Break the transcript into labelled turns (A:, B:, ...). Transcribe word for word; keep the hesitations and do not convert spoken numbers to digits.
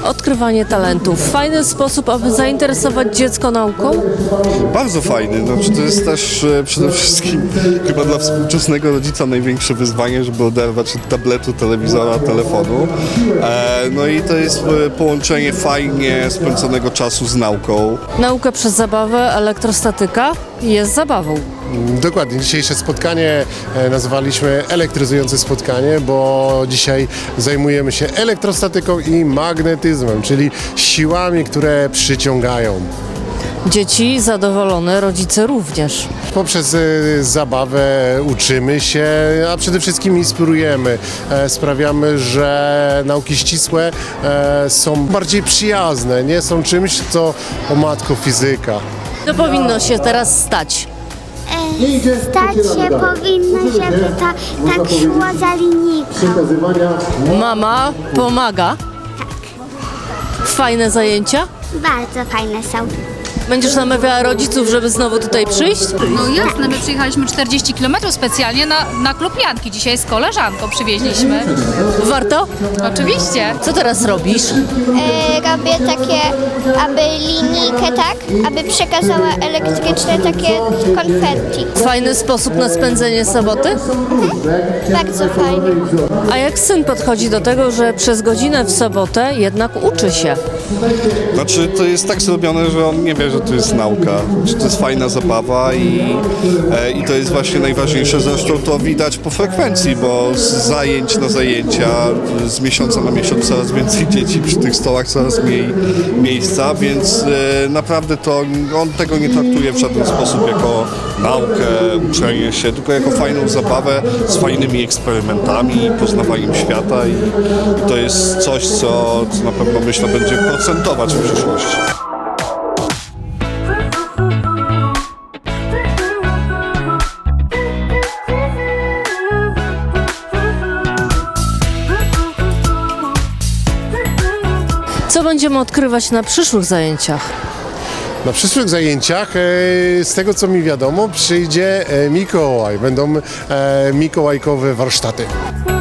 A: odkrywanie talentów. Fajny sposób, aby zainteresować dziecko nauką?
B: Bardzo fajny. Znaczy, to jest też e, przede wszystkim chyba dla współczesnego rodzica największe wyzwanie, żeby oderwać od tabletu, telewizora, telefonu. E, no i to jest e, połączenie fajnie spędzonego czasu z nauką.
A: Naukę przez zabawę, elektrostatyka jest zabawą.
C: Dokładnie. Dzisiejsze spotkanie e, nazwaliśmy elektryzujące spotkanie, bo dzisiaj zajmujemy się elektrostatyką i magnetyzmem, czyli siłami, które przyciągają.
A: Dzieci zadowolone, rodzice również.
C: Poprzez e, zabawę uczymy się, a przede wszystkim inspirujemy. E, sprawiamy, że nauki ścisłe e, są bardziej przyjazne, nie są czymś, co o matko fizyka.
A: To powinno się teraz stać.
D: Stać się powinno, żeby ta, tak szło za linijką.
A: Mama pomaga. Fajne zajęcia.
D: Bardzo fajne są.
A: Będziesz namawiała rodziców, żeby znowu tutaj przyjść?
E: No jasne, my przyjechaliśmy czterdzieści kilometrów specjalnie na, na klub Janki. Dzisiaj z koleżanką przywieźliśmy.
A: Warto?
E: Oczywiście.
A: Co teraz robisz?
D: E, robię takie, aby linijkę, tak, aby przekazała elektryczne takie konfetti.
A: Fajny sposób na spędzenie soboty?
D: Bardzo fajnie.
A: A jak syn podchodzi do tego, że przez godzinę w sobotę jednak uczy się?
B: Znaczy, to jest tak zrobione, że on nie wie, że to jest nauka, że to jest fajna zabawa i, e, i to jest właśnie najważniejsze. Zresztą to widać po frekwencji, bo z zajęć na zajęcia, z miesiąca na miesiąc coraz więcej dzieci przy tych stołach, coraz mniej miejsca, więc e, naprawdę to on tego nie traktuje w żaden sposób jako naukę, uczenie się, tylko jako fajną zabawę z fajnymi eksperymentami, poznawaniem świata i, i to jest coś, co, co na pewno myślę będzie procentować w przyszłości.
A: Co będziemy odkrywać na przyszłych zajęciach?
C: Na przyszłych zajęciach, e, z tego co mi wiadomo, przyjdzie e, Mikołaj. Będą e, mikołajkowe warsztaty.